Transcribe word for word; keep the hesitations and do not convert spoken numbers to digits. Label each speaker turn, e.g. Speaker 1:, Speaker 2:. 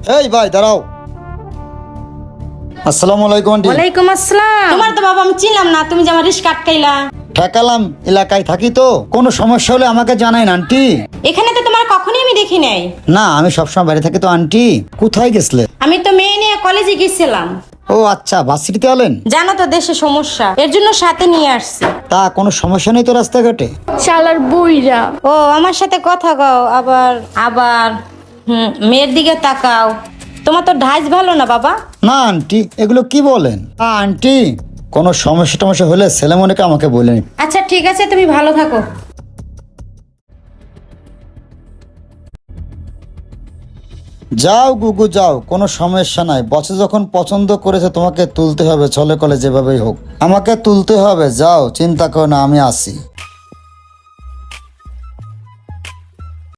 Speaker 1: এই ভাই দাঁড়াও। আসসালামু আলাইকুম আন্টি।
Speaker 2: ওয়ালাইকুম আসসালাম। তোমার তো বাবা আমি চিনলাম না, তুমি যে আমার রিস্ক আটকাইলা।
Speaker 1: ঠেকালাম, এলাকায় থাকি তো, কোনো সমস্যা হলে আমাকে জানাইন আন্টি।
Speaker 2: এখানে তো তোমার কখনোই আমি দেখি নাই।
Speaker 1: না, আমি সবসময় বাইরে থাকি তো আন্টি। কোথায় গেছলে?
Speaker 2: আমি তো মেয়ে নিয়ে কলেজে গেছিলাম।
Speaker 1: ও আচ্ছা, ভার্সিটিতে হলেন?
Speaker 2: জানো তো দেশে সমস্যা, এর জন্য সাথে নিয়ে আসছি।
Speaker 1: তা কোনো সমস্যা নেই তো রাস্তাঘাটে?
Speaker 3: শালার বুইরা।
Speaker 2: ও আমার সাথে কথা কও, আবার আবার হুম মেয়ের দিকে তাকাও। তোমার তো ঢাইস ভালো না বাবা।
Speaker 1: না আন্টি, এগুলো কি বলেন? আ, আন্টি কোনো সমস্যা টমস্যা হলে ছেলেমনেকে আমাকে বলেন।
Speaker 2: আচ্ছা ঠিক আছে, তুমি ভালো থাকো।
Speaker 1: যাও গুগু যাও, কোনো সমস্যা নাই। বসে যখন পছন্দ করেছে তোমাকে তুলতে হবে, ছলে কলে যেভাবেই হোক আমাকে তুলতে হবে। যাও, চিন্তা করো না, আমি আসি।